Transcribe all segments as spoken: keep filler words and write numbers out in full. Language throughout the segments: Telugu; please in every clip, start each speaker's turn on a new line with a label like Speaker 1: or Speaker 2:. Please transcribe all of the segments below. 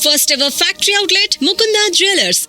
Speaker 1: First ever factory outlet, Mukunda Jewelers.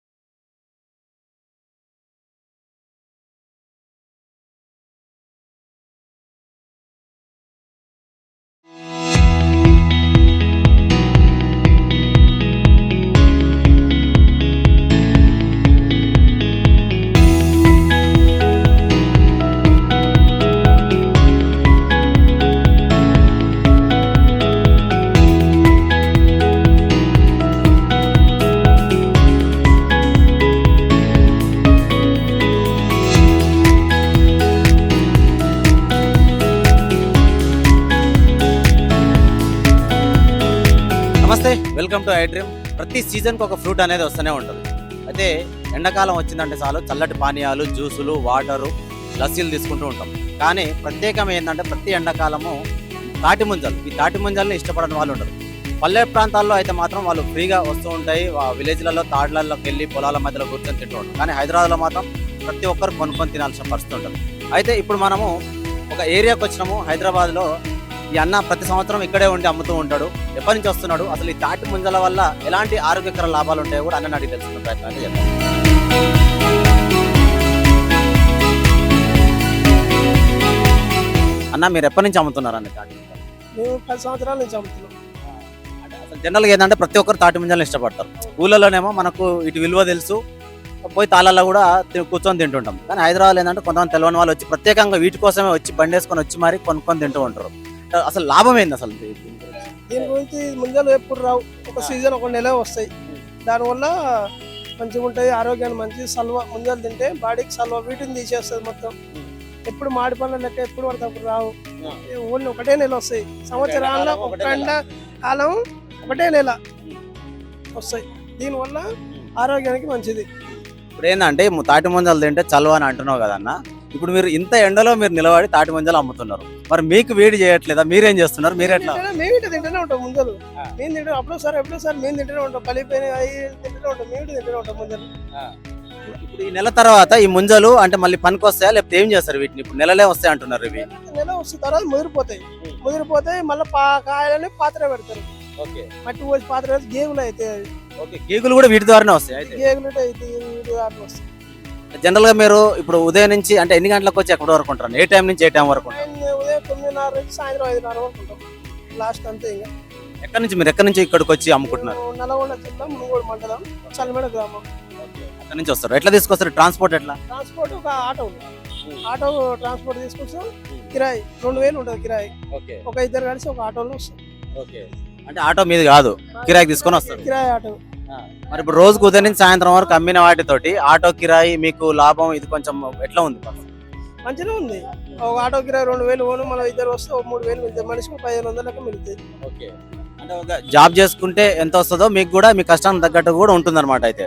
Speaker 2: నమస్తే, వెల్కమ్ టు ఐ డ్రీమ్. ప్రతి సీజన్కి ఒక ఫ్రూట్ అనేది వస్తూనే ఉంటుంది. అయితే ఎండాకాలం వచ్చిందంటే చాలు చల్లటి పానీయాలు, జ్యూసులు, వాటరు, లస్సీలు తీసుకుంటూ ఉంటాం. కానీ ప్రత్యేకం ఏంటంటే ప్రతి ఎండాకాలము తాటి ముంజలు. ఈ తాటి ముంజల్ని ఇష్టపడని వాళ్ళు ఉంటారు. పల్లె ప్రాంతాల్లో అయితే మాత్రం వాళ్ళు ఫ్రీగా వస్తూ ఉంటాయి. విలేజ్లలో తాడ్లలోకి వెళ్ళి పొలాల మధ్యలో కూర్చొని తింటూ ఉంటారు. కానీ హైదరాబాద్లో మాత్రం ప్రతి ఒక్కరు కొనుక్కొని తినాల్సిన పరిస్థితి ఉంటుంది. అయితే ఇప్పుడు మనము ఒక ఏరియాకి వచ్చినాము హైదరాబాద్లో. ఈ అన్న ప్రతి సంవత్సరం ఇక్కడే ఉండి అమ్ముతూ ఉంటాడు. ఎప్పటి నుంచి వస్తున్నాడు, అసలు ఈ తాటి ముంజల వల్ల ఎలాంటి ఆరోగ్యకర లాభాలు ఉంటాయో కూడా అన్నని అడిగి తెలుసుకునే ప్రయత్నం అయితే చేద్దాం. అన్న, మీరు ఎప్పటి నుంచి అమ్ముతున్నారు అన్న తాటి ముంజలు?
Speaker 3: మేము పది సంవత్సరాల నుంచి అమ్ముతున్నాం.
Speaker 2: అసలు జనరల్గా ఏంటంటే ప్రతి ఒక్కరు తాటి ముంజలను ఇష్టపడతారు. ఊళ్ళలోనేమో మనకు ఇటు విలువ తెలుసు, పోయి తాళాల్లో కూడా కూర్చొని తింటుంటాం. కానీ హైదరాబాద్ ఏంటంటే కొంతమంది తెలియని వాళ్ళు వచ్చి ప్రత్యేకంగా వీటి కోసమే వచ్చి బండి వేసుకొని వచ్చి మరి కొనుక్కొని తింటూ ఉంటారు. అసలు లాభం ఏంది అసలు
Speaker 3: దీని గురించి ముంజలు ఎప్పుడు రావు, ఒక సీజన్ ఒక నెల వస్తాయి. దానివల్ల మంచిగా ఉంటుంది, ఆరోగ్యానికి మంచి. సల్వ ముంజలు తింటే బాడీకి సల్వ, వీటిని తీసేస్తుంది మొత్తం. ఎప్పుడు మాడి పనులు లెక్క ఎప్పుడు పడితే అప్పుడు రావు. ఓన్లీ ఒకటే నెల వస్తాయి సంవత్సరాల్లో, ఒక ఎండ కాలం ఒకటే నెల వస్తాయి. దీనివల్ల ఆరోగ్యానికి మంచిది.
Speaker 2: ఇప్పుడు ఏంటంటే తాటి ముంజలు తింటే చల్వ అని అంటున్నావు కదన్న. ఇప్పుడు మీరు ఇంత ఎండలో మీరు నిలబడి తాటి ముంజలు అమ్ముతున్నారు, మరి మీకు వేడి చేయట్లేదా? మీరేం చేస్తున్నారు? మీరు ఎట్లా?
Speaker 3: మేము ఇటు తింటూనే ఉంటాం ముంజలు. మేము తింటాం అప్పుడు సార్ ఎప్పుడో సార్ మేము తింటూనే ఉంటాం. పలిపోయిన అవి తింటూనే ఉంటాం, మేము తింటూనే ఉంటాం ముంజలు.
Speaker 2: ఇప్పుడు ఈ నెల తర్వాత ఈ ముంజలు అంటే మళ్ళీ పనికి వస్తాయా, లేకపోతే ఏం చేస్తారు వీటిని? ఇప్పుడు నెలలే వస్తాయి అంటున్నారు. ఇవి
Speaker 3: నెల వస్తున్న తర్వాత ముదిరిపోతాయి. ముదిరిపోతాయి మళ్ళీ పా కాయలని పాత్ర పెడతారు. మట్టి పోసి పాత్ర పెడితే గేగులు అయితే
Speaker 2: గేగులు కూడా వీటి ద్వారానే వస్తాయి.
Speaker 3: గేగులు వస్తాయి.
Speaker 2: జనరల్ గా మీరు ఇప్పుడు ఉదయం నుంచి అంటే ఎన్ని గంటలకు వచ్చి ఎక్కడి వరకు ఉంటారు? ఏ టైం నుంచి ఏ టైం వరకు?
Speaker 3: ఉదయం తొమ్మిదిన్నర నుంచి సాయంత్రం ఐదున్నర వరకు ఉంటాం లాస్ట్ అంతే. ఇంకా
Speaker 2: ఎక్కడి నుంచి మీరు ఎక్కడి నుంచి ఇక్కడికి వచ్చి అమ్ముకుంటున్నారు?
Speaker 3: నల్గొండ జిల్లా మునుగోడు మండలం చల్లమేడ గ్రామం.
Speaker 2: అక్కడి నుంచి వస్తారు. ఎట్లా తీసుకొస్తారు? ట్రాన్స్పోర్ట్ ఎట్లా?
Speaker 3: ట్రాన్స్పోర్ట్ ఒక ఆటో ఆటో ట్రాన్స్పోర్ట్ తీసుకొస్తాం. కిరాయి రెండు వేలు ఉంటుంది కిరాయి. ఒక ఇద్దరు కలిసి ఒక ఆటోలో వస్తాం.
Speaker 2: అంటే ఆటో మీది కాదు, కిరాయి తీసుకొని వస్తారు.
Speaker 3: కిరాయి ఆటో.
Speaker 2: మరి ఇప్పుడు రోజుకు ఉదయం నుంచి సాయంత్రం వరకు అమ్మిన వాటితోటి ఆటో కిరాయి మీకు లాభం ఇది కొంచెం ఎట్లా ఉంది?
Speaker 3: మంచిగా ఉంది. ఒక ఆటో కిరాయి రెండు వేలు పోను, మనం ఇద్దరు వస్తే ఒక మూడు వేలు మిగులుతాయి. మనిషికి పదిహేను వందలకి మిగులుతాయి.
Speaker 2: అంటే ఒక జాబ్ చేసుకుంటే ఎంత వస్తుందో మీకు కూడా మీ కష్టానికి తగ్గట్టు కూడా ఉంటుంది అనమాట. అయితే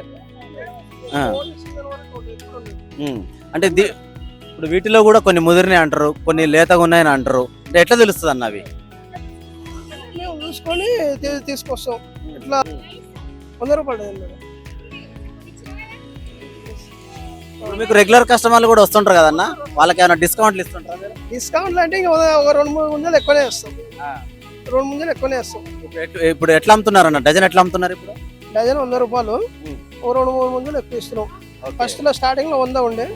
Speaker 2: అంటే ఇప్పుడు వీటిలో కూడా కొన్ని ముదిరినాయి అంటారు, కొన్ని లేతగా ఉన్నాయని అంటారు. అంటే ఎట్లా తెలుస్తుంది అన్న అవి?
Speaker 3: మేము చూసుకొని తీసుకొస్తాం. ఇట్లా వంద రూపాయలు.
Speaker 2: ఇప్పుడు మీకు రెగ్యులర్ కస్టమర్లు కూడా వస్తుంటారు కదన్న, వాళ్ళకి ఏమైనా డిస్కౌంట్లు ఇస్తుంటారు?
Speaker 3: డిస్కౌంట్లు అంటే ఇంకా ఒక రెండు మూడు ముంజలు ఎక్కువనే వేస్తాం. రెండు ముంజలు ఎక్కువనే వేస్తాం.
Speaker 2: ఇప్పుడు ఎట్లా అమ్ముతున్నారు అన్న? డజన్ ఎట్లా అమ్ముతున్నారు ఇప్పుడు?
Speaker 3: డజన్ వంద రూపాయలు. ఓ రెండు మూడు ముంజలు ఎక్కువ ఇస్తున్నాం. ఫస్ట్ లో స్టార్టింగ్ లో వంద ఉండే.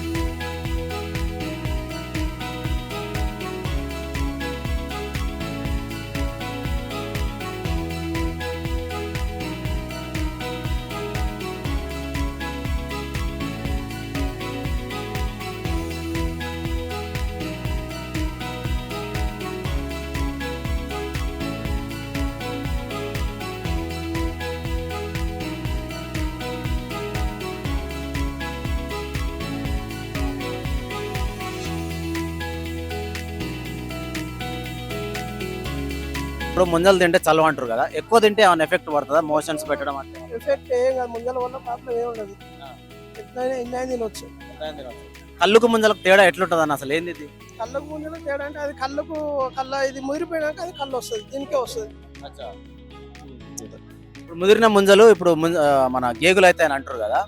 Speaker 2: ఇప్పుడు ముంజలు తింటే చల్లవ అంటారు కదా, ఎక్కువ తింటే ఏమైనా ఎఫెక్ట్ పడుతుందా? మోషన్స్ పెట్టడం అంటే
Speaker 3: ఎఫెక్ట్ ఏం కాదు. ముంజల వల్ల ప్రాబ్లం ఏమి ఉండదు. ఎట్లయినా ఎన్నైనా తినొచ్చు.
Speaker 2: కళ్ళుకు ముంజలకు తేడా ఎట్లుంటుంది అన్న? అసలు ఏంది ఇది?
Speaker 3: కళ్ళకు ముంజలకు తేడా అంటే అది కళ్ళకు కళ్ళ ఇది ముదిరిపోయినాక అది కళ్ళు వస్తుంది, దీనికే వస్తుంది.
Speaker 2: ఇప్పుడు ముదిరిన ముంజలు ఇప్పుడు మన గేగులు అయితే అని అంటారు కదా,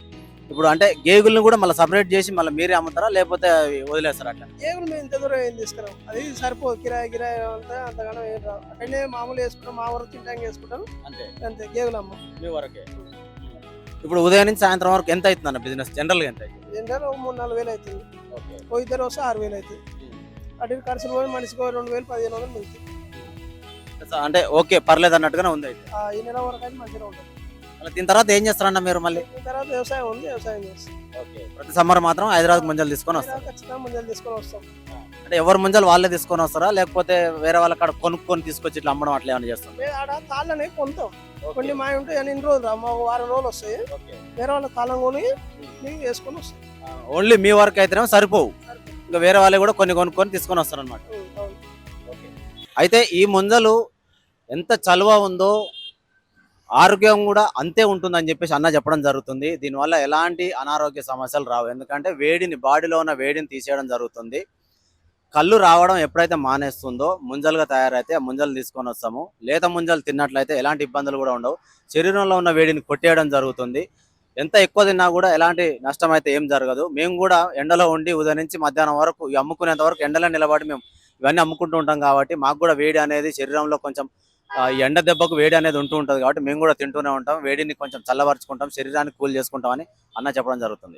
Speaker 2: ఇప్పుడు అంటే గేగుల్ని కూడా మళ్ళీ సపరేట్ చేసి మళ్ళీ మీరే అమ్ముతారా లేకపోతే అవి వదిలేస్తారా అట్లా?
Speaker 3: ఏగులు మేము ఇంత దూరం ఏం తీసుకురాం, అది సరిపోదు, కిరాయి కిరాయి అంతా అంతగానో ఏం రావు. అక్కడనే మామూలు వేసుకుంటాం, మా వరకు తింటానికి వేసుకుంటాం
Speaker 2: అంతే
Speaker 3: అంతే. గేగులు అమ్మ
Speaker 2: మీ వరకే. ఇప్పుడు ఉదయం నుంచి సాయంత్రం వరకు ఎంత అవుతుంది అన్న బిజినెస్ జనరల్గా ఎంత అవుతుంది?
Speaker 3: ఏంటంటే ఒక మూడు నాలుగు వేలు అవుతుంది, ఓ ఇద్దరు వస్తే ఆరు వేలు అవుతుంది. అటు ఇటు ఖర్చులు పోయి మనిషికి ఓ రెండు వేలు పదిహేను వందలు మిగులుతుంది.
Speaker 2: అంటే ఓకే పర్లేదు అన్నట్టుగానే ఉంది అయితే.
Speaker 3: ఆ, ఈ నెల వరకు అయితే మంచిగా ఉంటుంది.
Speaker 2: మళ్ళీ దీని తర్వాత ఏం చేస్తారన్న మీరు మళ్ళీ?
Speaker 3: దీని తర్వాత వ్యవసాయం ఉంది, వ్యవసాయం చేస్తాం.
Speaker 2: ఓకే ప్రతి సమ్మర్ మాత్రం హైదరాబాద్ ముంజలు తీసుకొని వస్తారు.
Speaker 3: ఖచ్చితంగా ముంజలు తీసుకొని వస్తాం.
Speaker 2: అంటే ఎవరు ముంజలు వాళ్ళే తీసుకొని వస్తారా లేకపోతే వేరే వాళ్ళ కాడ కొనుక్కొని తీసుకొచ్చి ఇట్లా అమ్మడం అట్లా ఏమైనా చేస్తాం?
Speaker 3: మేము ఆడ తాళ్ళనే కొంటాం, కొన్ని మా ఉంటాయి అని ఇన్ని రోజులు రా, మా వారం రోజులు వస్తాయి, వేరే వాళ్ళ తాళం కొని మేము వేసుకొని వస్తాం.
Speaker 2: ఓన్లీ మీ వరకు అయితేనేమో సరిపోవు, ఇంకా వేరే వాళ్ళు కూడా కొన్ని కొనుక్కొని తీసుకొని వస్తారు అనమాట.
Speaker 3: అవును.
Speaker 2: అయితే ఈ ముంజలు ఎంత చలువ ఉందో ఆరోగ్యం కూడా అంతే ఉంటుందని చెప్పేసి అన్న చెప్పడం జరుగుతుంది. దీనివల్ల ఎలాంటి అనారోగ్య సమస్యలు రావు, ఎందుకంటే వేడిని బాడీలో ఉన్న వేడిని తీసేయడం జరుగుతుంది. కళ్ళు రావడం ఎప్పుడైతే మానేస్తుందో ముంజలుగా తయారైతే ఆ ముంజలు తీసుకొని వస్తాము. లేత ముంజలు తిన్నట్లయితే ఎలాంటి ఇబ్బందులు కూడా ఉండవు, శరీరంలో ఉన్న వేడిని కొట్టేయడం జరుగుతుంది. ఎంత ఎక్కువ తిన్నా కూడా ఎలాంటి నష్టం అయితే ఏం జరగదు. మేము కూడా ఎండలో ఉండి ఉదయం నుంచి మధ్యాహ్నం వరకు ఈ అమ్ముకునేంత వరకు ఎండలో నిలబడి మేము ఇవన్నీ అమ్ముకుంటూ ఉంటాం కాబట్టి మాకు కూడా వేడి అనేది శరీరంలో కొంచెం ఆ, ఈ ఎండ దెబ్బకు వేడి అనేది ఉంటూ ఉంటుంది కాబట్టి మేము కూడా తింటూనే ఉంటాం, వేడిని కొంచెం చల్లబరుచుకుంటాం, శరీరాన్ని కూల్ చేసుకుంటామని అన్న చెప్పడం జరుగుతుంది.